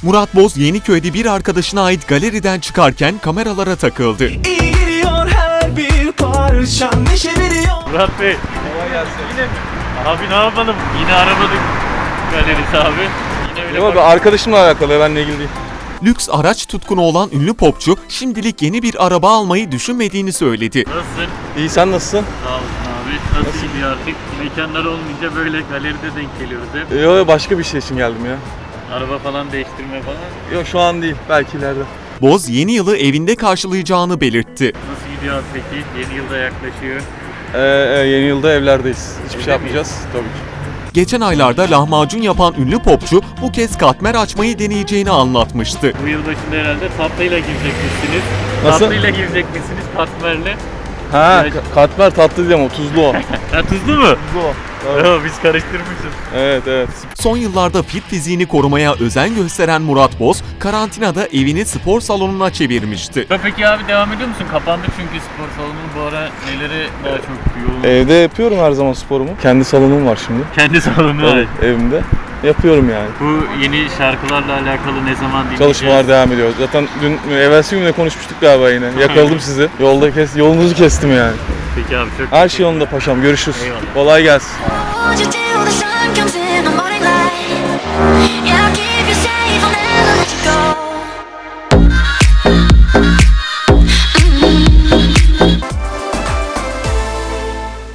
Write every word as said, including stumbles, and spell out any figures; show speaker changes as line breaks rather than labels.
Murat Boz Yeniköy'de bir arkadaşına ait galeriden çıkarken kameralara takıldı.
İyi geliyor her bir parçan, neşe veriyor.
Murat Bey.
Kolay gelsin.
Yine mi? Abi ne yapalım? Yine aramadık galerisi abi. Yine öyle
Yok abi,
bak-
arkadaşımla alakalı, benimle ilgili değil.
Lüks araç tutkunu olan ünlü popçu şimdilik yeni bir araba almayı düşünmediğini söyledi.
Nasılsın?
İyi, sen nasılsın?
Sağ olasın abi. Nasıl gidiyor artık? Mekanlar olmayınca böyle galeride denk geliyoruz hep.
Yok yok, başka bir şey için geldim ya.
Araba falan değiştirme falan.
Yok, şu an değil, belki ileride.
Boz yeni yılı evinde karşılayacağını belirtti.
Nasıl gidiyor abi peki? Yeni yılda yaklaşıyor.
Ee, e, yeni yılda evlerdeyiz. Hiçbir
Evde
şey yapmayacağız tabii ki.
Geçen aylarda lahmacun yapan ünlü popçu bu kez katmer açmayı deneyeceğini anlatmıştı.
Bu yılbaşında herhalde tatlıyla girecekmişsiniz.
Nasıl?
Tatlıyla girecekmişsiniz katmerle.
Ha,
Ya-
ka- katmer tatlı değil ama tuzlu o.
Ha tuzlu mu?
Tuzlu o. Evet.
Yo, biz karıştırmışız.
Evet evet.
Son yıllarda fit fiziğini korumaya özen gösteren Murat Boz, karantinada evini spor salonuna çevirmişti.
Ya peki abi devam ediyor musun? Kapandı çünkü spor salonu bu ara neleri daha çok yoğun.
Evde yapıyorum her zaman sporumu. Kendi salonum var şimdi.
Kendi salonu var.
Evet, evimde. Yapıyorum yani.
Bu yeni şarkılarla alakalı ne zaman dinleyeceğiz?
Çalışmalar devam ediyor. Zaten dün, evvelsi günde konuşmuştuk galiba yine. Yakaladım sizi. Yolda kes, yolunuzu kestim yani.
Peki abi çok
Her şey yolunda paşam. Görüşürüz.
Eyvallah.
Kolay gelsin.